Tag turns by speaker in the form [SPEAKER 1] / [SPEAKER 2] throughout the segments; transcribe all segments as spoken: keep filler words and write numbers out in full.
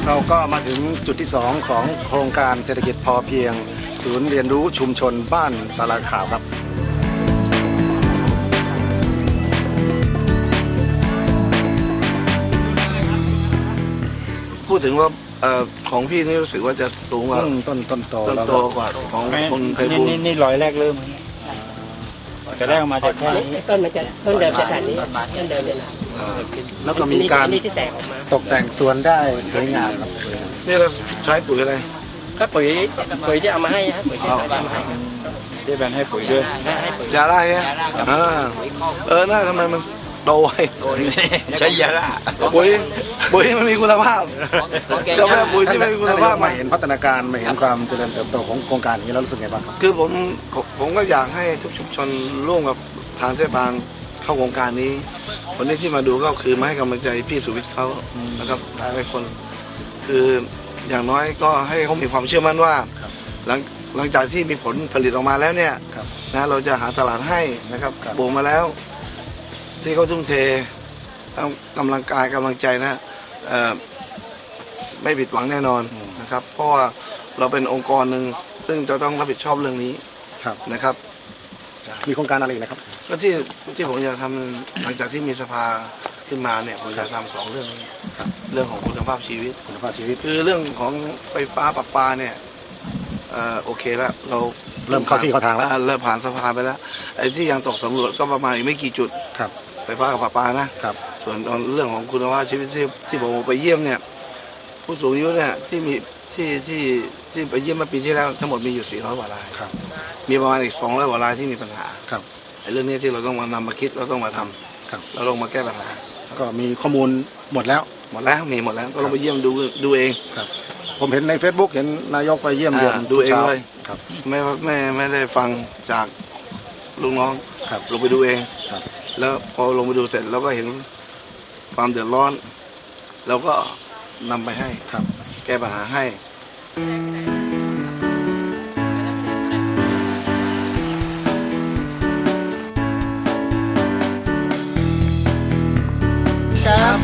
[SPEAKER 1] เราก็มาถึงจุดที่สองของโครงการเศรษฐกิจพอเพียงศูนย์เรียนรู้ชุมชนบ้านสาราขาวครับ
[SPEAKER 2] พูดถึงว่าเอ่อของพี่นี่รู้สึกว่าจะสูงกว่า
[SPEAKER 1] ต้นต้นโต
[SPEAKER 2] ต้น
[SPEAKER 1] แล้ว
[SPEAKER 2] โตกว่าของคนไพบูลย์
[SPEAKER 3] นี่นี่รอยแรกเริ่มจะแรกมาจากแค่นี้
[SPEAKER 4] ต้นมันจะต้นเดิมจะแบบนี้ต้นเดิมเนี่ยนะ
[SPEAKER 2] อ่า
[SPEAKER 1] แล้วก็มีการ
[SPEAKER 4] นี่ที่แตกออกมา
[SPEAKER 1] ตกแต่งสวนได้สวยงามครับ
[SPEAKER 2] นี่เราใช้ปุ๋ยอะไร
[SPEAKER 4] ก็ปุ๋ยปุ๋ยที่เอามาให้ฮะปุ๋ยที่เอามาให้ครับ
[SPEAKER 3] ที่แบนให้ปุ๋ยด้วย
[SPEAKER 4] ให้ปุ๋ย
[SPEAKER 2] ยาล่าเนี่ยอ่าเออน่าทำไมมันโตไว
[SPEAKER 3] ใช้ยาละ
[SPEAKER 2] ปุ๋ยปุ๋ยมันมีคุณภาพเจ้าแม่ปุ๋ยที่ไม่มีคุณภาพ
[SPEAKER 1] มา
[SPEAKER 2] มา
[SPEAKER 1] เห็นพัฒนาการมาเห็นความเจริญเติบโตของโครงการนี้แล้วรู้สึกไงบ้างครับ
[SPEAKER 2] คือผมผมก็อยากให้ทุกชุมชนร่วมกับทางเทศบาลเข้าโครงการนี้วันนี้ที่มาดูก็คือมาให้กำลังใจพี่สุวิทย์เขานะครับหลายคนคืออย่างน้อยก็ให้เขามีความเชื่อมั่นว่าหลังหลังจากที่มีผลผลิตออกมาแล้วเนี่ยนะเราจะหาตลาดให้นะครับปลูกมาแล้ว ที่เขาทุ่มเททั้งกำลังกายกำลังใจนะเอ่อไม่ผิดหวังแน่นอนนะครับ เพราะว่าเราเป็นองค์กรหนึ่งซึ่งจะต้องรับผิดชอบเรื่องนี้
[SPEAKER 1] ครับ
[SPEAKER 2] นะครับ
[SPEAKER 1] มีโครงการอะไรอีกนะครับ
[SPEAKER 2] ก็ที่ที่ผมอยากทำหลังจากที่มีสภาขึ้นมาเนี่ยผมอยากทำสองเรื่องนี้เรื่องของคุณภาพชีวิต
[SPEAKER 1] คุณภาพชีวิต
[SPEAKER 2] คือเรื่องของไฟฟ้าประปาเนี่ยเอ่อโอเคแล้วเรา
[SPEAKER 1] เริ่มเข้าที่เข้าทางแล้ว
[SPEAKER 2] อ่เริ่มผ่านสภาไปแล้วไอ้ที่ยังตกสำรวจก็ประมาณอีกไม่กี่จุด
[SPEAKER 1] ครับ
[SPEAKER 2] ไฟฟ้ากับประปานะครับ ส่วนเรื่องของคุณภาพชีวิตที่ที่ผมไปเยี่ยมเนี่ยผู้สูงอายุเนี่ยที่มีที่ที่ที่ไปเยี่ยมเมื่อปีที่แล้วทั้งหมดมีอยู่สี่ร้อยกว่าราย
[SPEAKER 1] ครับ
[SPEAKER 2] มีประมาณอีกสองร้อยกว่ารายที่มีปัญหา
[SPEAKER 1] ครับ
[SPEAKER 2] ไอ้เรื่องนี้ที่เราต้องมานำมาคิดเราต้องมาทำ
[SPEAKER 1] ครับ
[SPEAKER 2] เราต้องมาแก้ปัญหา
[SPEAKER 1] ก็มีข้อมูลหมดแล้ว
[SPEAKER 2] หมดแล้วมีหมดแล้วก็ลองไปเยี่ยมดูดูเอง
[SPEAKER 1] ครับผมเห็นใน Facebook เห็นนายกไปเยี่ยมเยือน
[SPEAKER 2] อ่าดูเอง
[SPEAKER 1] ช้า
[SPEAKER 2] เลย
[SPEAKER 1] ครับ
[SPEAKER 2] ไม่ไม่ไม่ได้ฟังจากลูกน้อง
[SPEAKER 1] ครับ
[SPEAKER 2] ลงไปดูเอง
[SPEAKER 1] ครับ
[SPEAKER 2] แล้วพอลงไปดูเสร็จเราก็เห็นความเดือดร้อนเราก็นำไปให้
[SPEAKER 1] ครับ
[SPEAKER 2] แก้ปัญหาให้
[SPEAKER 1] ครับ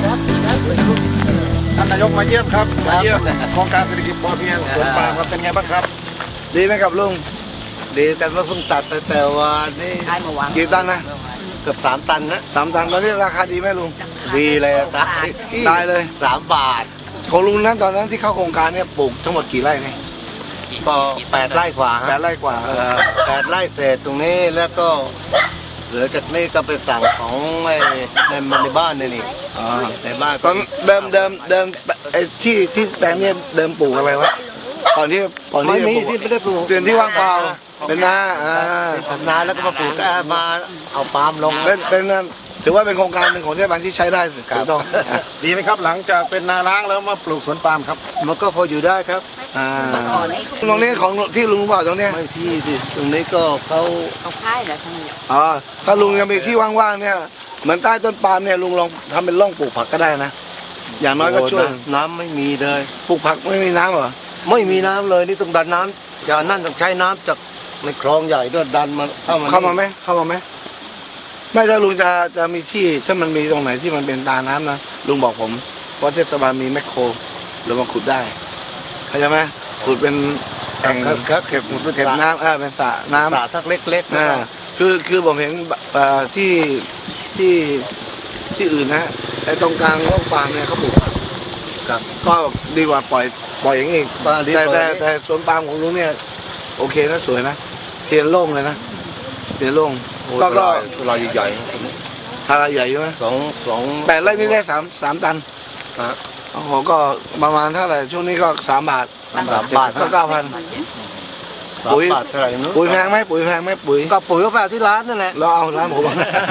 [SPEAKER 1] ท่านนายกมาเยี่ยมครับมาเยี่ยมโครงการเศรษฐกิจพอเพียงสวนปาล์มครับเป็นไงบ้างครับ
[SPEAKER 2] ดีไหมครับลุง
[SPEAKER 5] ดีแต่ว่าเพิ่งตัดแต่แต่ว่านี่
[SPEAKER 4] ใช้มาวาง
[SPEAKER 2] กี่ตันนะ
[SPEAKER 5] เกือบสามตันนะ
[SPEAKER 2] สามตันตอนนี้ราคาดีไหมลุง
[SPEAKER 5] ดีเลยตาย
[SPEAKER 2] ได้เลย
[SPEAKER 5] สามบาท
[SPEAKER 2] ของลุงนั้นตอนนั้นที่เข้าโครงการเนี่ยปลูกทั้งหมดกี่ไร่เนี่ย
[SPEAKER 5] ก็แปดไร่กว่า
[SPEAKER 2] แป
[SPEAKER 5] ฮะ
[SPEAKER 2] ดไร่กว่าเออ
[SPEAKER 5] แปดไร่เศษตรงนี้แล้วก็ เหลือจากนี้ก็ไปสั่งของไอ้ในในบ้านนี่นี่
[SPEAKER 2] อ่า
[SPEAKER 5] ในบ้าน
[SPEAKER 2] ตอนเดิมเดิมเดิมไอ้ที่ที่แปลงเนี่ยเดิมปลูกอะไรวะก่อนที่ก่อน
[SPEAKER 5] ไม่
[SPEAKER 2] ที่จะ
[SPEAKER 5] มี
[SPEAKER 2] ปลูก
[SPEAKER 5] ที่ไม่ได้ปลูก
[SPEAKER 2] เปลี่ยนที่ว่างเปล่าเป็นนาอ่า
[SPEAKER 5] ทำนาแล้วก็มาปลูกแต่มาเอาปาล์มลง
[SPEAKER 2] เป็นเป็นนั่นถือว่าเป็นโครงการหนึ่งของเทศบาลที่ใช้ได้ถูกต้อง
[SPEAKER 1] ดีไหมครับหลังจากเป็นนาล้างแล้วมาปลูกสวนปาล์มครับ
[SPEAKER 5] มันก็พออยู่ได้ครับ
[SPEAKER 2] อ่าตรงนี้ของที่ลุงบอกตรงเนี้ย
[SPEAKER 5] ไม่ที่ดิตรงนี้ก็เขา
[SPEAKER 4] เขาค่ายแล้วทั้งนี้
[SPEAKER 2] อ๋อถ้าลุงยังมีที่ว่างๆเนี่ยเหมือนใต้ต้นปาล์มเนี่ยลุงลองทำเป็นร่องปลูกผักก็ได้นะอย่างน้อยก็ช่วย
[SPEAKER 5] โอ้น้ำไม่มีเลย
[SPEAKER 2] ปลูกผักไม่มีน้ำเหรอ
[SPEAKER 5] ไม่มีน้ำเลยนี่ต้องดันน้ำจากนั่นต้องใช้น้ำจากในคลองใหญ่ด้วยดันมาเข้ามา
[SPEAKER 2] เข้ามาไหมเข้ามาไหมไม่ถ้าลุงจะจะมีที่ถ้ามันมีตรงไหนที่มันเป็นตาน้ำนะลุงบอกผมเพราะเทศบาลมีแมคโครเรามาขุดได้เข้าใจไหมขุดเป็นแอ่ง
[SPEAKER 5] ครับครับเก็บหมด
[SPEAKER 2] เก็บน้ำเออเป็นสระน้ำ
[SPEAKER 5] สระทักเล็กๆนะ
[SPEAKER 2] อ่าคือคือผมเห็นเอ่อที่ที่ที่อื่นนะไอ้ตรงกลางร่องปาล์มเนี่ยเขาปลูก
[SPEAKER 5] ครับ
[SPEAKER 2] ก็ดีกว่าปล่อยปล่อยอย่างนี้
[SPEAKER 5] บ้านดี
[SPEAKER 2] แต่
[SPEAKER 5] กว่า
[SPEAKER 2] แต่
[SPEAKER 5] นี้
[SPEAKER 2] แต่สวนปาล์มของลุงเนี่ยโอเคนะสวยนะเตียนโล่งเลยนะเตียนโล่ง
[SPEAKER 5] โอ้
[SPEAKER 2] ก็ก็
[SPEAKER 5] ลายใหญ่
[SPEAKER 2] ทาราใหญ่ใช่ไหม
[SPEAKER 5] ๆสองสอง
[SPEAKER 2] แปดไร่นี่ได้สามสามตัน
[SPEAKER 5] ฮะ
[SPEAKER 2] โอ้โหก็ประมาณเท่าไหร่ช่วงนี้ก็สามบาท
[SPEAKER 5] สามบาท
[SPEAKER 2] ก็เก้าพัน
[SPEAKER 5] สาม
[SPEAKER 2] ปุ๋ย
[SPEAKER 5] บาทเท่าไหร่นู้น
[SPEAKER 2] ปุ๋ยแพงไหมปุ๋ยแพงไหมปุ๋ย
[SPEAKER 5] ก็ปุ๋ยก็แบบที่ร้านนั่นแหละ
[SPEAKER 2] เราเอาร้านผม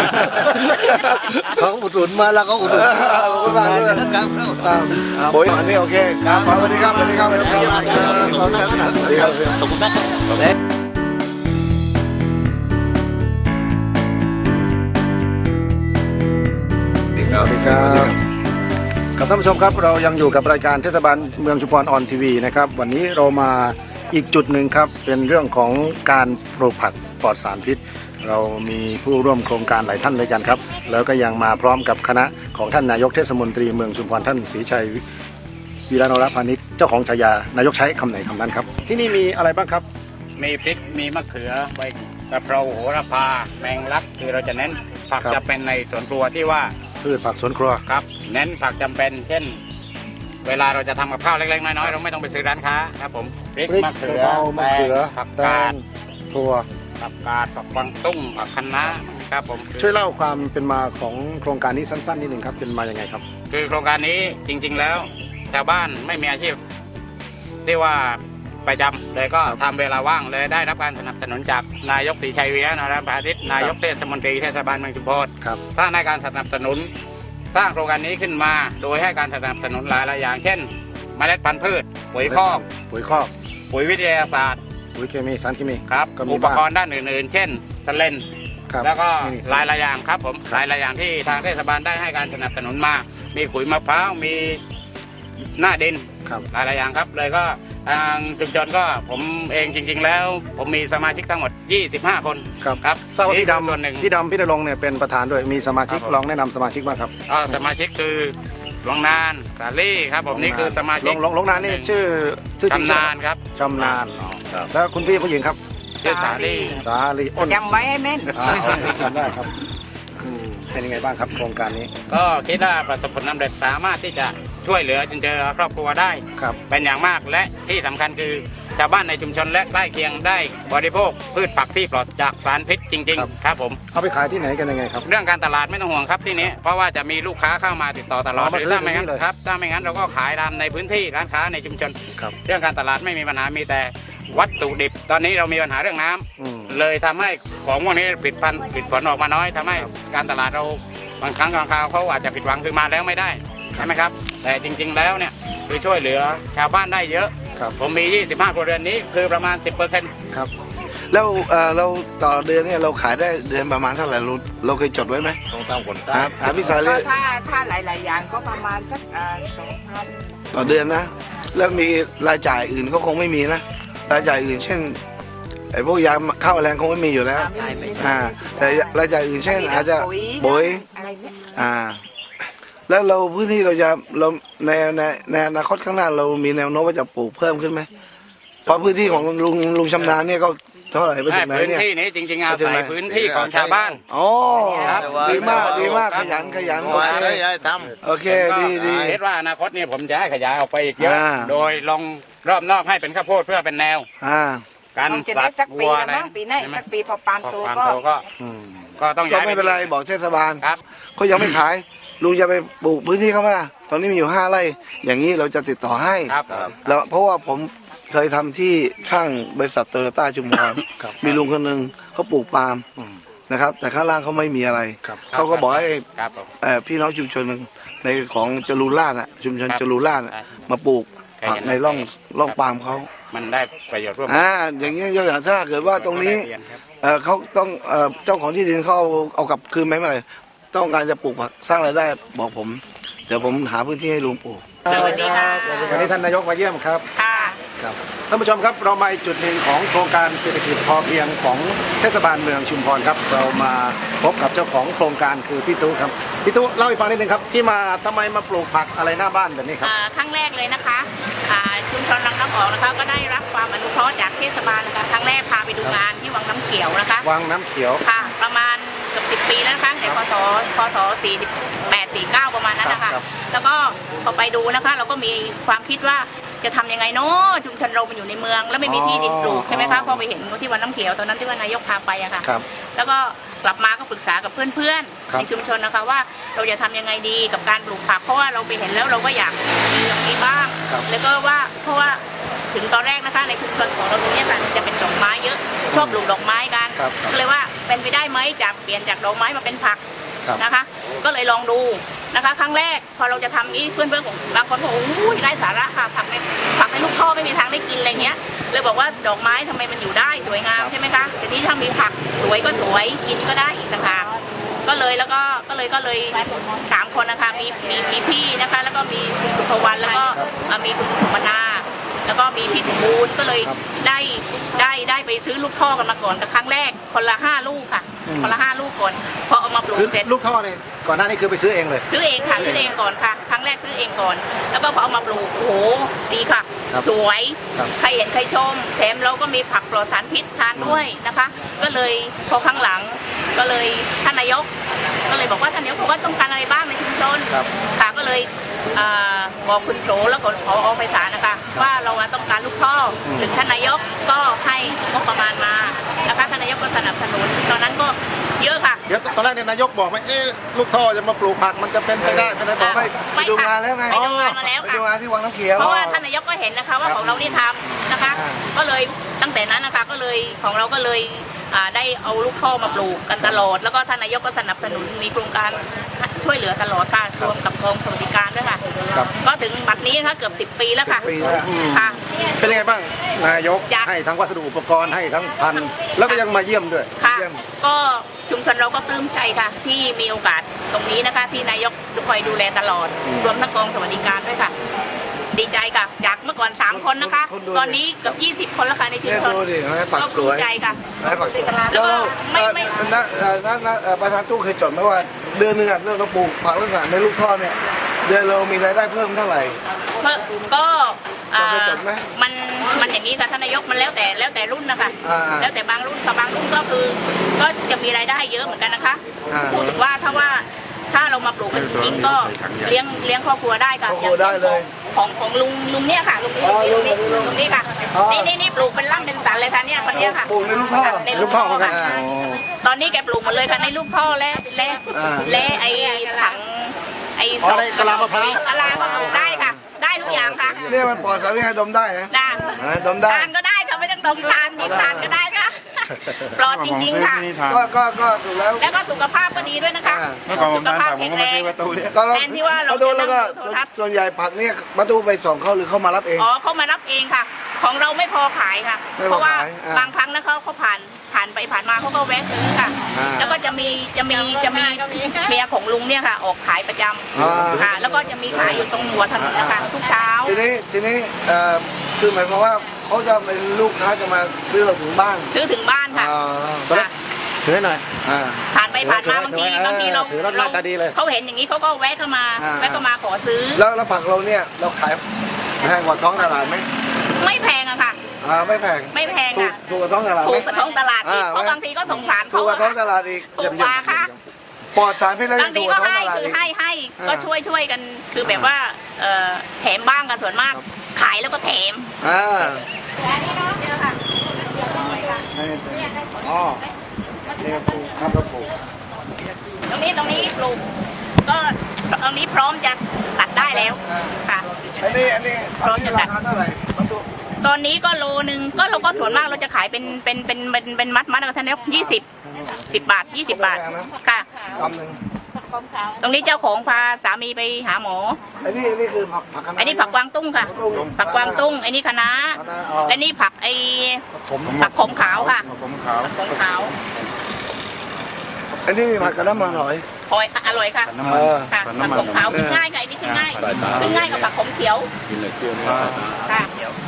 [SPEAKER 5] เขาอุดหนุนมาแล้วก็อุดหนุน
[SPEAKER 2] ขอบคุณมากเลย
[SPEAKER 5] ครับ
[SPEAKER 2] ปุ๋ยอันนี้โอเคครับสวัสดีครับสวัสดีครับสวัสดีครับสวัสดีครับ
[SPEAKER 4] ขอบคุณมากครับ
[SPEAKER 1] สวัสดีครับกับท่านผู้ชมครับเรายังอยู่กับรายการเทศบาลเมืองชุมพรออนทีวีนะครับวันนี้เรามาอีกจุดหนึ่งครับเป็นเรื่องของการปลูกผักปลอดสารพิษ เรามีผู้ร่วมโครงการหลายท่านด้วยกันครับแล้วก็ยังมาพร้อมกับคณะของท่านนายกเทศมนตรีเมืองชุมพรท่านศรีชัยวีระนรพานิชเจ้าของฉายานายกใช้คำไหนคำนั้นครับที่นี่มีอะไรบ้างครับ
[SPEAKER 3] มีพริกมีมะเขือใบกะเพราโหระพาแมงลักคือเราจะเน้นผัก
[SPEAKER 1] ครับ
[SPEAKER 3] จะเป็นในสวนครัวที่ว่า
[SPEAKER 1] พืชผักสวนครัว
[SPEAKER 3] ครับเน้นผักจำเป็น เช่น เวลาเราจะทำกับข้าวเล็กๆน้อยๆเราไม่ต้องไปซื้อร้านค้าครับผมพริก
[SPEAKER 1] พริก
[SPEAKER 3] มะเขือ
[SPEAKER 1] กะเพรามะเขือ
[SPEAKER 3] ผัก
[SPEAKER 1] แต
[SPEAKER 3] กาด
[SPEAKER 1] งถั่ว
[SPEAKER 3] ผักกาดผักกวางตุ้งผักคะน้าครับผม
[SPEAKER 1] ช่วยเล่าความเป็นมาของโครงการนี้สั้นๆนิดหนึ่งครับเป็นมาอย่างไงครับ
[SPEAKER 3] คือโครงการนี้จริงๆแล้วชาวบ้านไม่มีอาชีพที่ว่าประจำเลยก็ทำเวลาว่างเลยได้รับการสนับสนุนจากนายกศรีชัยวีระนรพานิชนายกเทศมนตรีเทศบาลเมืองชุมพร
[SPEAKER 1] ครับ
[SPEAKER 3] สร้างในการสนับสนุนสร้างโครงการนี้ขึ้นมา โดยให้การสนับสนุนหลายๆอย่าง เช่น เมล็ดพันธุ์พืชปุ๋ยคอก
[SPEAKER 1] ปุ๋ยคอก
[SPEAKER 3] ปุ๋ยวิทยาศาสตร์
[SPEAKER 1] ปุ๋ยเคมีสารเคมี
[SPEAKER 3] ครับ
[SPEAKER 1] ก็มี
[SPEAKER 3] อุปกรณ์ด้านอื่นๆ เช่นสเลน
[SPEAKER 1] ครับ
[SPEAKER 3] แล้วก็
[SPEAKER 1] นี่
[SPEAKER 3] หลายๆอย่างครับผมหลายๆอย่างที่ทางเทศบาลได้ให้การสนับสนุนมา มีขุยมะพร้าวมีหน้าดิน
[SPEAKER 1] ครับ
[SPEAKER 3] หลายๆอย่างครับเลยก็ทางชุมชนก็ผมเองจริง ๆ แล้ว ผมมีสมาชิกทั้งหมดยี่สิบห้าคน
[SPEAKER 1] ครับ
[SPEAKER 3] ครับ
[SPEAKER 1] ทราบว่าพี่
[SPEAKER 3] นี่คือส่วนห
[SPEAKER 1] ดำ
[SPEAKER 3] นึ่ง
[SPEAKER 1] พี่ดำพี่นรงค์เนี่ยเป็นประธานด้วยมีสมาชิก
[SPEAKER 3] ครับผม
[SPEAKER 1] ลองแนะนำสมาชิกบ้างครับ
[SPEAKER 3] ก็สมาชิกคือหลวงนานสาลี่ครับผมนี่คือสมา
[SPEAKER 1] ล
[SPEAKER 3] ชิก
[SPEAKER 1] งลงลงนานนี่ชื่อชื่อจริง
[SPEAKER 3] ชำนาญครับ
[SPEAKER 1] ชำนาญอ๋อแล้วคุณพี่ผู้หญิงครับ
[SPEAKER 3] ชื่อสาลี่
[SPEAKER 1] สาลีอ้น
[SPEAKER 4] จำไว้ให้แม่น
[SPEAKER 1] อ่าโอเคจำได้ครับอืมเป็นยังไงบ้างครับโครงการนี้
[SPEAKER 3] ก็คิดว่าประสบผลสำเร็จสามารถที่จะช่วยเหลือจนเจอครอบครัวได้
[SPEAKER 1] ครับ
[SPEAKER 3] เป็นอย่างมากและที่สำคัญคือชาวบ้านในชุมชนและใกล้เคียงได้บริโภคพืชผักที่ปลอดจากสารพิษจริง ๆ ครับผม
[SPEAKER 1] เอาไปขายที่ไหนกันยังไงครับ
[SPEAKER 3] เรื่องการตลาดไม่ต้องห่วงครับที่นี้เพราะว่าจะมีลูกค้าเข้ามาติดต่อตลอด
[SPEAKER 1] อ๋อมา
[SPEAKER 3] หรือ
[SPEAKER 1] ซื้อ
[SPEAKER 3] ถ้าไม่งั้น
[SPEAKER 1] ถึงนี่เลย
[SPEAKER 3] ครับถ้าไม่งั้นเราก็ขายตามในพื้นที่ร้านค้าในชุมชน
[SPEAKER 1] ครับ
[SPEAKER 3] เรื่องการตลาดไม่มีปัญหามีแต่วัตถุดิบ ตอนนี้เรามีปัญหาเรื่องน้ำ
[SPEAKER 1] อืม
[SPEAKER 3] เลยทำให้ของพวกนี้ผิดพันผิดผลออกมาน้อยทำให้
[SPEAKER 1] ครับ
[SPEAKER 3] การตลาดเราบางครั้งบางคราวเขาอาจจะผิดหวังคือมาแล้วไม่ได้ใช่ไหมครับ แต่จริง ๆ แล้วเนี่ยคือช่วยเหลือชาวบ้านได้เยอะ
[SPEAKER 1] ครับ
[SPEAKER 3] ผมมี ยี่สิบห้า ครัวเรือนนี้คือประมาณ สิบเปอร์เซ็นต์
[SPEAKER 1] ครับ
[SPEAKER 2] แล้วเอ่อเราต่อเดือนเนี่ยเราขายได้เดือนประมาณเท่าไหร่เราเราเคยจดไว้ไหม
[SPEAKER 5] ต้องตามคน
[SPEAKER 2] ค
[SPEAKER 5] ตา
[SPEAKER 2] รับอ่าพี่สา
[SPEAKER 4] ก็
[SPEAKER 2] ลี
[SPEAKER 4] ถ้าถ้าหลาย ๆ อย่างก็ประมาณสักสองพัน
[SPEAKER 2] ต่อเดือนนะ แล้วมีรายจ่ายอื่นก็คงไม่มีนะรายจ่ายอื่นเช่นไอ้พวกยาข้าวแรงคงไม่มีอยู่แล้วอ่าแต่รายจ่ายอื่นเช่น อาจจะปุ๋ย
[SPEAKER 4] อะไรเนี่ย
[SPEAKER 2] อ่า แล้วเราพื้นที่เราจะเราในในในอนาคตข้างหน้าเรามีแนวโน้มว่าจะปลูกเพิ่มขึ้นไหมเพราะพื้นที่ของลุงลุงชำนาญเนี่ยก็เท่าไหร่ไปถึงไหน
[SPEAKER 3] พื้น
[SPEAKER 2] เนี่ย
[SPEAKER 3] ที่นี้จริงๆอา
[SPEAKER 2] ไปถึง
[SPEAKER 3] ศั
[SPEAKER 2] ไหน
[SPEAKER 3] ยพื้นที่ของชาวบ้าน
[SPEAKER 2] อ๋อ
[SPEAKER 3] ครับ
[SPEAKER 2] ดีมากดีมากขยันขยันโอ
[SPEAKER 5] ว่า
[SPEAKER 2] เค
[SPEAKER 5] ได้ย้ายท
[SPEAKER 2] โอเคดีดี
[SPEAKER 3] คิดว่าอนาคตเนี่ยผมจะให้ขยายออกไปอีกเยอะ
[SPEAKER 2] อ่า
[SPEAKER 3] โดยลองรอบนอกให้เป็นข้าวโพดเพื่อเป็นแนว
[SPEAKER 2] อ่า
[SPEAKER 3] การ
[SPEAKER 4] คงจะ
[SPEAKER 3] สั
[SPEAKER 4] ได้
[SPEAKER 3] ตว์
[SPEAKER 4] สักปี
[SPEAKER 3] วัว
[SPEAKER 4] ละ
[SPEAKER 3] อะไร
[SPEAKER 4] มั้งปีหน้าอีกสักปีพอปาล์ม
[SPEAKER 3] พอ
[SPEAKER 4] โต
[SPEAKER 3] ความ
[SPEAKER 4] ก็
[SPEAKER 3] โตก็
[SPEAKER 1] อืม
[SPEAKER 3] ก็ต้อง
[SPEAKER 2] ก็
[SPEAKER 3] ย้าย
[SPEAKER 2] ไม่เป็นไรบอกเทศบาล
[SPEAKER 3] ครับ
[SPEAKER 2] เขายังไม่ขาย ลุงจะไปปลูกพื้นที่เขาไหมล่ะตอนนี้มีอยู่ห้าไร่ อย่างนี้เราจะติดต่อให้
[SPEAKER 3] ครับ
[SPEAKER 2] แล้วเพราะว่าผมเคยทำที่ข้างบริษัทโตโยต้าชุมพร
[SPEAKER 1] ครับ
[SPEAKER 2] มีลุงคนหนึ่งเขาปลูกปาล์ม
[SPEAKER 1] อืม
[SPEAKER 2] นะครับ แต่ข้างล่างเขาไม่มีอะไร
[SPEAKER 1] ครับ
[SPEAKER 2] เขาก็บอกให้
[SPEAKER 3] ครับผม
[SPEAKER 2] เอ่อพี่น้องชุมชนในของจรูนลาดน่ะชุมชน
[SPEAKER 3] ครับ
[SPEAKER 2] จรูนลาดน่ะ
[SPEAKER 3] ครับ
[SPEAKER 2] มาปลูก
[SPEAKER 3] เคย
[SPEAKER 2] ผัก
[SPEAKER 3] เห็น
[SPEAKER 2] ในร่อง
[SPEAKER 3] ครับ
[SPEAKER 2] ร่องปาล์มเขา
[SPEAKER 3] มันได้ประโยชน์ร่วม
[SPEAKER 2] อ่าอย่างเงี้ยยกอย่างถ้าเกิดว่าตรงนี้
[SPEAKER 3] ก็ได้เรียครับ
[SPEAKER 2] เอ่อเขาต้องเอ่อเจ้าของที่ดินเขาเอาเอากลับคืนไหมเมื่อไหร่ต้องการจะปลูกผักสร้างรายได้บอกผม เดี๋ยวผมหาพื้นที่ให้ลุงปลูก
[SPEAKER 4] สวัสดีค่ะ
[SPEAKER 1] วันนี้ท่านนายกมาเยี่ยมครับ
[SPEAKER 4] ค่ะ
[SPEAKER 1] ครับท่านผู้ชมครับเรามาอีกจุดหนึ่งของโครงการเศรษฐกิจพอเพียงของเทศบาลเมืองชุมพรครับเรามาพบกับเจ้าของโครงการคือพี่ตุ๊ครับพี่ตุ๊เล่าให้ฟังนิดนึงครับที่มาทำไมมาปลูกผักอะไรหน้าบ้านแบบนี้ครับ
[SPEAKER 6] อ่าครั้งแรกเลยนะคะอ่าชุมชนรังน้ำออกนะคะก็ได้รับความอนุเคราะห์จากเทศบาลนะคะครั้งแรกพาไปดูงานที่วังน้ำเขียวนะคะ
[SPEAKER 1] วังน้ำเขียว
[SPEAKER 6] ค่ะประมาณเกือบสิบปีแล้วนะคะในพศพศสี่สิบแปดสี่เก้าประมาณนั้นนะคะ
[SPEAKER 1] ครับ
[SPEAKER 6] แล้วก็พอไปดูนะคะ เราก็มีความคิดว่าจะทำยังไงเนาะชุมชนเรามันอยู่ในเมือง แล้วไม่มีที่ดินปลูกใช่ไหมคะพอไปเห็นที่วังน้ำเขียวตอนนั้นที่ว่านายกพาไปอะค่ะ
[SPEAKER 1] ครับ
[SPEAKER 6] แล้วก็กลับมาก็ปรึกษากับเพื่อน
[SPEAKER 1] ครับ
[SPEAKER 6] ๆในชุมชนนะคะว่าเราจะทำยังไงดีกับการปลูกผัก เพราะว่าเราไปเห็นแล้วเราก็อยากมีอย่างนี้บ้าง
[SPEAKER 1] ครับ
[SPEAKER 6] แล้วก็ว่าเพราะว่าถึงตอนแรกนะคะในชุมชนของเราตรงเนี้ยค่ะจะเป็นดอกไม้เยอะชอบปลูกดอกไม้กัน
[SPEAKER 1] ครับ
[SPEAKER 6] ก็เลยว่าเป็นไปได้ไหมจากเปลี่ยนจากดอกไม้มาเป็นผัก
[SPEAKER 1] ครับ
[SPEAKER 6] นะคะ ก็เลยลองดูนะคะ ครั้งแรกพอเราจะทำนี้เพื่อนๆของบางคนบอกโอ้ยได้สาระค่ะผักในผักในลูกท่อไม่มีทางได้กินอะไรเงี้ยเลยบอกว่าดอกไม้ทำไมมันอยู่ได้สวยงามใช่ไหมคะทีนี้ถ้ามีผักสวยก็สวยกินก็ได้อีกต่างหากก็เลยแล้วก็ก็เลยก็เลยสามคนนะคะมีมีมีพี่นะคะ แล้วก็มีคุณสุภวรรณแล้วก็เอ่อมีคุณสุมนา แล้วก็มีพี่สมบูรณ์ก็เลย
[SPEAKER 1] ครับ
[SPEAKER 6] ได้ได้ได้ไปซื้อลูกท่อกันมาก่อนกับครั้งแรกคนละห้าลูกค่ะ
[SPEAKER 1] อืม
[SPEAKER 6] คนละห้าลูกก่อนพอเอามาปลูก
[SPEAKER 1] คือ
[SPEAKER 6] เสร็จ
[SPEAKER 1] ลูกท่อเนี่ยก่อนหน้านี้คือไปซื้อเองเลย
[SPEAKER 6] ซื้อเองค่ะซื้อเองก่อนค่ะครั้งแรกซื้อเองก่อน แล้วก็พอเอามาปลูกโอ้โหดีค่ะ
[SPEAKER 1] ครับ
[SPEAKER 6] สวย
[SPEAKER 1] ครับ
[SPEAKER 6] ใครเห็นใครชมแถมเราก็มีผักปลอดสารพิษทานด้วยนะคะ ก็เลยพอข้างหลังก็เลยท่านนายก ก็เลยบอกว่าท่านนายกบอกว่าต้องการอะไรบ้างในชุมชน
[SPEAKER 1] ครับ
[SPEAKER 6] ค่ะก็เลยอ่าบอกคุณโฉแล้วก็พอไพศาลนะคะ ว่าเราต้องการลูกท่ออ
[SPEAKER 1] ม
[SPEAKER 6] ถึงท่านนายกก็ให้งบประมาณมานะคะท่านนายกก็สนับสนุนตอนนั้นก็เยอะค่ะ
[SPEAKER 1] เดี๋ยวตอนแรกเนี่ยนายกบอกไหมเอ๊ะลูกท่อจะมาปลูกผักมันจะเป็นไปได้ไหมบอก
[SPEAKER 2] ไม่
[SPEAKER 6] ไม่
[SPEAKER 2] ไปดู
[SPEAKER 6] ค่ะ
[SPEAKER 2] งานแล้วไง
[SPEAKER 6] ไปดูงานมาแล้ว
[SPEAKER 2] ไป
[SPEAKER 6] ค่ะ
[SPEAKER 2] ดูงานที่วังน้ำเขียว
[SPEAKER 6] เพราะว่าท่านนายกก็เห็นนะคะว่า
[SPEAKER 2] ครับ
[SPEAKER 6] ของเรานี่ทำนะคะ
[SPEAKER 2] อ่า
[SPEAKER 6] ก็เลยตั้งแต่นั้นนะคะก็เลยของเราก็เลยอ่าได้เอาลูกท่อมาปลูกกันตลอด แล้วก็ท่านนายกก็สนับสนุนมีโครงการช่วยเหลือตลอดค่ะรวมกับกองสวัสดิการด้วยค่ะ
[SPEAKER 1] ครับ
[SPEAKER 6] ก็ถึงบัดนี้นะคะเกือบสิบปีแล้วค่ะ
[SPEAKER 2] ปีแล้ว
[SPEAKER 6] ค่ะ
[SPEAKER 1] เป็นยังไงบ้างนายก
[SPEAKER 6] จ้ะ
[SPEAKER 1] ให้ทั้งวัสดุอุปกรณ์ให้ทั้งพันธุ์แล้วก็ยังมาเยี่ยมด้วย
[SPEAKER 6] ค่ะ
[SPEAKER 2] เยี่ยม
[SPEAKER 6] ก็ชุมชนเราก็ปลื้มใจค่ะ ที่มีโอกาสตรงนี้นะคะ ที่นายกคอยดูแลตลอด
[SPEAKER 1] อืม
[SPEAKER 6] รวมทั้งกองสวัสดิการด้วยค่ะ ดีใจค่ะ จากเมื่อก่อนสามคนนะคะ
[SPEAKER 2] คนดู
[SPEAKER 6] ตอนนี้เกือบยี่สิบคนแล้วค่ะในชุม
[SPEAKER 2] เนี่ย
[SPEAKER 6] ชน
[SPEAKER 2] ดูดิให้ปัก
[SPEAKER 6] ก็
[SPEAKER 2] ส
[SPEAKER 6] ภู
[SPEAKER 2] ว
[SPEAKER 6] มิ
[SPEAKER 2] ย
[SPEAKER 6] ใจค่ะ
[SPEAKER 2] ให้ปักสวย
[SPEAKER 6] แล้
[SPEAKER 2] แล้ว ว
[SPEAKER 6] ก็
[SPEAKER 2] เรา
[SPEAKER 6] ไม่ไม่
[SPEAKER 2] เอ่อนักเอ่อนักนักเอ่อประธานตู้เคยจดไหมว่าเดือนหนึงอ่ะเราปลูกผักลักษณะในลูกท่อเนี่ยเดือนเรามีรายได้เพิ่มเท่าไหร่
[SPEAKER 6] เพิ่มก็อ่า
[SPEAKER 2] เราเคยจดไหม
[SPEAKER 6] มันมันอย่างนี้ค่ะท่านนายกมันแล้วแต่แล้วแต่รุ่นนะคะ
[SPEAKER 2] อ่า
[SPEAKER 6] แล้วแต่บางรุ่นกับบางรุ่นก็คือ ก็จะมีรายได้เยอะเหมือนกันนะคะ
[SPEAKER 2] อ่า
[SPEAKER 6] พูดถึงว่าถ้าว่าถ้าเรามาปลูกกันจริงๆก็เลี้ยงเลี้ยงครอบครัวได้ค่ะ
[SPEAKER 2] ครอบครัวได้เลย
[SPEAKER 6] ของของลุงลุงเนี่ยค่ะลุง
[SPEAKER 2] อ๋อ
[SPEAKER 6] ลุงนี่
[SPEAKER 2] ลุงลุง
[SPEAKER 6] ลุงนี่ค่ะ
[SPEAKER 2] อ๋อ
[SPEAKER 6] นี่นี่นี่ปลูกเป็นร่ำเป็นสันเลยค่ะเนี่ยคนเนี้ยค่ะ
[SPEAKER 2] ปลูกในลูกท่อ
[SPEAKER 6] ใน
[SPEAKER 1] ลูกท่อเหมือนกัน
[SPEAKER 6] ค่ะ
[SPEAKER 1] อ๋อ
[SPEAKER 6] ตอนนี้แกปลูกหมดเลยค่ะในลูกท่อและและ
[SPEAKER 2] อ่า
[SPEAKER 6] และไอ้ถังไอ้
[SPEAKER 1] อ๋อในกะลามะพร้าว
[SPEAKER 6] กะลาก็ปลูกได้ค่ะ ได้ทุกอย่างค่ะ
[SPEAKER 2] เนี่ยมันปลอดสารพิษให้ดมได้นะ
[SPEAKER 6] ได้
[SPEAKER 2] อ่าดมได้
[SPEAKER 6] ทานก็ได้ค่ะไม่ต้องดมทานนิทานก็ได้ค่ะ ปลอดจริงๆค่ะ
[SPEAKER 2] ก็ก็ก็ถูกแล้ว
[SPEAKER 6] แล้วก็สุขภาพก็ดีด้วยนะคะ
[SPEAKER 2] อ่า
[SPEAKER 7] เมื่อก่อนผม
[SPEAKER 6] สุข
[SPEAKER 7] ทาน
[SPEAKER 6] ภาพ
[SPEAKER 7] ผักผม
[SPEAKER 6] แข็ง
[SPEAKER 7] ก็
[SPEAKER 6] แร
[SPEAKER 7] มาง ซื้อประตูเนี่ย
[SPEAKER 2] ก็เรา
[SPEAKER 6] แทนที่ว่าเรา
[SPEAKER 2] ประตู
[SPEAKER 6] จะ
[SPEAKER 2] แล้วก็
[SPEAKER 6] นั่งดูโทรทัศน์
[SPEAKER 2] ส่วนใหญ่ผักเนี่ยประตูไปส่งเขาหรือเขามารับเอง
[SPEAKER 6] อ๋อเขามารับเองค่ะ ของเราไม่พอขายค่ะ
[SPEAKER 2] ไม่พอ
[SPEAKER 6] เพราะว่า
[SPEAKER 2] ขายอ่า
[SPEAKER 6] บางครั้งนะเขาเขาผ่านผ่านไปผ่านมาเขาก็แวะซื้อค่ะ
[SPEAKER 2] อ่า
[SPEAKER 6] แล้วก็จะมีจะมีจะมีเมียของลุงเนี่ยค่ะ ออกขายประจ
[SPEAKER 2] อ่า
[SPEAKER 6] ำค่ะ แล้วก็จะมีขายอยู่ตรงหัวถนนนะคะทุกเช้า
[SPEAKER 2] ทีนี้ทีนี้เอ่อคือหมายความว่าเขาจะเป็นลูกค้าจะมาซื้อเราถึงบ้าน
[SPEAKER 6] ซื้อถึงบ้านค่ะ
[SPEAKER 2] อ่า
[SPEAKER 1] ตอนแรก ถือให้หน่อย
[SPEAKER 2] อ่า
[SPEAKER 6] ผ่านไปผ่านมา
[SPEAKER 1] ถื
[SPEAKER 6] บาง
[SPEAKER 1] อ
[SPEAKER 6] ที
[SPEAKER 1] ไว้
[SPEAKER 6] บางทีเรา
[SPEAKER 1] ถือแล้วหน้าตาดีเลย
[SPEAKER 6] เขาเห็นอย่างนี้เขาก็แวะเข้ามา
[SPEAKER 2] อ่า
[SPEAKER 6] แวะเข้ามาขอซื้อ
[SPEAKER 2] แล้วแล้วผักเราเนี่ยเราขายแพงกว่าท้องตลาดไหม
[SPEAKER 6] ไม่แพงอะค่ะ
[SPEAKER 2] อ่าไม่แพง
[SPEAKER 6] ไม่แพง
[SPEAKER 2] ถูก
[SPEAKER 6] ค่ะ
[SPEAKER 2] ถูกกว่าท้องตลาดไห
[SPEAKER 6] ถู
[SPEAKER 2] ม
[SPEAKER 6] กกว่าท้องตลาดอีก
[SPEAKER 2] อ่า
[SPEAKER 6] เพราะบางทีก็สงสาร
[SPEAKER 2] ถู
[SPEAKER 6] เขา
[SPEAKER 2] กกว่า
[SPEAKER 6] อะ
[SPEAKER 2] ท้อง
[SPEAKER 6] ค่ะ
[SPEAKER 2] ตลาดอีก
[SPEAKER 6] ถูกกว่าค่ะ
[SPEAKER 2] ปลอดสารพิษแล้ว
[SPEAKER 6] บา
[SPEAKER 2] ยัง ง
[SPEAKER 6] ที
[SPEAKER 2] ถูกก
[SPEAKER 6] ก็
[SPEAKER 2] ว่าท้อง
[SPEAKER 6] ให้
[SPEAKER 2] ตลาด
[SPEAKER 6] คือ
[SPEAKER 2] อีก
[SPEAKER 6] ให้ให้ก็
[SPEAKER 2] อ่า
[SPEAKER 6] ช่วยช่วยกัน คือแบบว่าเอ่อแถมบ้างกันส่วนมาก ขายแล้วก็แถม
[SPEAKER 2] อ่า
[SPEAKER 6] แต่อันนี้เนาะเจอค่ะ
[SPEAKER 1] อ๋อนี่ก็ปลูกครับก็ปลูก
[SPEAKER 6] ตรงนี้ตรงนี้ปลูกก็ตรงนี้พร้อมจะตัดได้แล้วค่ะ
[SPEAKER 2] อันนี้อันนี้อันนี้ราคาเท่าไหร่ประตู
[SPEAKER 6] ตอนนี้ก็โลนึงก็เราก็ส่วนมากเราจะขายเป็นเป็นเป็นเป็นเป็นมัดมัดกันท่านนี้ยี่สิบสิบบาทยี่สิบบาทค่ะ
[SPEAKER 2] คำหนึ่ง
[SPEAKER 6] ตรงนี้เจ้าของพาสามีไปหาหมอ
[SPEAKER 2] อันนี้อันนี้คือผักผักคะน้า
[SPEAKER 6] อันนี้ผักกวางตุ้งค่ะ ผักกวางตุ้งอันนี้คะน้า
[SPEAKER 2] คะน้าอ๋อ
[SPEAKER 6] และนี่ผักไอ
[SPEAKER 1] ผม
[SPEAKER 6] ผักขมขาวค่ะ
[SPEAKER 7] ผมขาว
[SPEAKER 6] ผักขมขาว
[SPEAKER 2] อันนี้ผักกระน้ำมันหอย
[SPEAKER 6] หอยอร่อยค่ะ
[SPEAKER 7] น้ำมัน
[SPEAKER 2] เออ
[SPEAKER 6] ค่ะ
[SPEAKER 7] ผัก
[SPEAKER 6] ผัก
[SPEAKER 7] น้ำมัน
[SPEAKER 6] ขมขาวคือง่ายค่ะอันนี้คือง่ายคือง่ายกับผักขมเขียว
[SPEAKER 7] กินเลยเคี่ยวไม่
[SPEAKER 2] อ่า
[SPEAKER 6] ค่ะ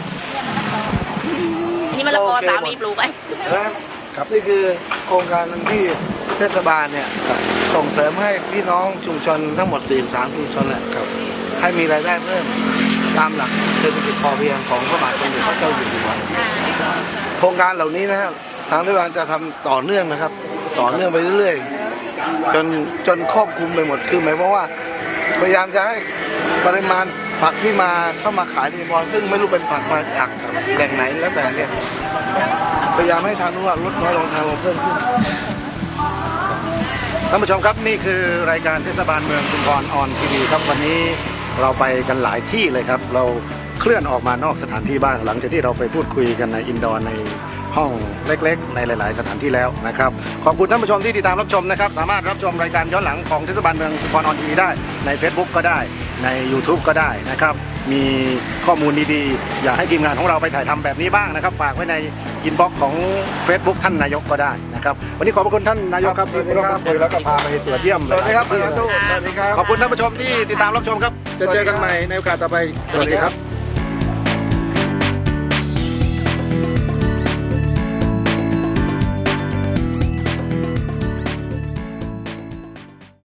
[SPEAKER 6] อันนี้มะละกอสามีปลูกไว้
[SPEAKER 2] ครับนี่คือโครงการหนึ่งที่เทศบาลเนี่ยส่งเสริมให้พี่น้องชุมชนทั้งหมดสี่สิบสามชุมชนเนี่ยให้มีรายได้เพิ่มตามหลักเศรษฐกิจพอเพียงของพระบาทสมเด็จพระเจ้าอยู่หัวโครงการเหล่านี้นะฮะทางรัฐบาลจะทำต่อเนื่องนะครับ ต่อเนื่องไปเรื่อยๆจนจนครอบคลุมไปหมดคือหมายความว่า พยายามจะให้ปริมาณผักที่มาเข้ามาขายในบอลซึ่งไม่รู้เป็นผักมาจากแหล่งไหนแล้วแต่เนี่ยพยายามให้ทางนู้นลดน้อยลงทางลงเพิ่มขึ้น
[SPEAKER 1] ท่านผู้ชมครับนี่คือรายการเทศบาลเมืองชุมพรออนทีวีครับวันนี้เราไปกันหลายที่เลยครับ เราเคลื่อนออกมานอกสถานที่บ้างหลังจากที่เราไปพูดคุยกันในอินดอร์ในห้องเล็กๆ ในหลาย ๆ สถานที่แล้วนะครับขอบคุณท่านผู้ชมที่ติดตามรับชมนะครับสามารถรับชมรายการย้อนหลังของเทศบาลเมืองชุมพรออนทีวีได้ใน Facebook ก็ได้ใน YouTube ก็ได้นะครับมีข้อมูลดีๆอยากให้ทีมงานของเราไปถ่ายทำแบบนี้บ้างนะครับฝากไว้ในอินบ็อกซ์ของ Facebook ท่านนายกก็ได้นะครับวันนี้ขอบพระคุณท่านนายกครับ
[SPEAKER 2] ครับ
[SPEAKER 1] ที่ร่วมพูดคุยแล้วก็พาไปตรวจเยี่ยม
[SPEAKER 2] สวัสดีครับ
[SPEAKER 1] หลายๆที่
[SPEAKER 2] สวัสดีครับ
[SPEAKER 1] ขอบคุณท่านผู้ชมที่ติดตามรับชมครับ จะเจอกันใหม่ในโอกาสต่อไป สวัสดีครับ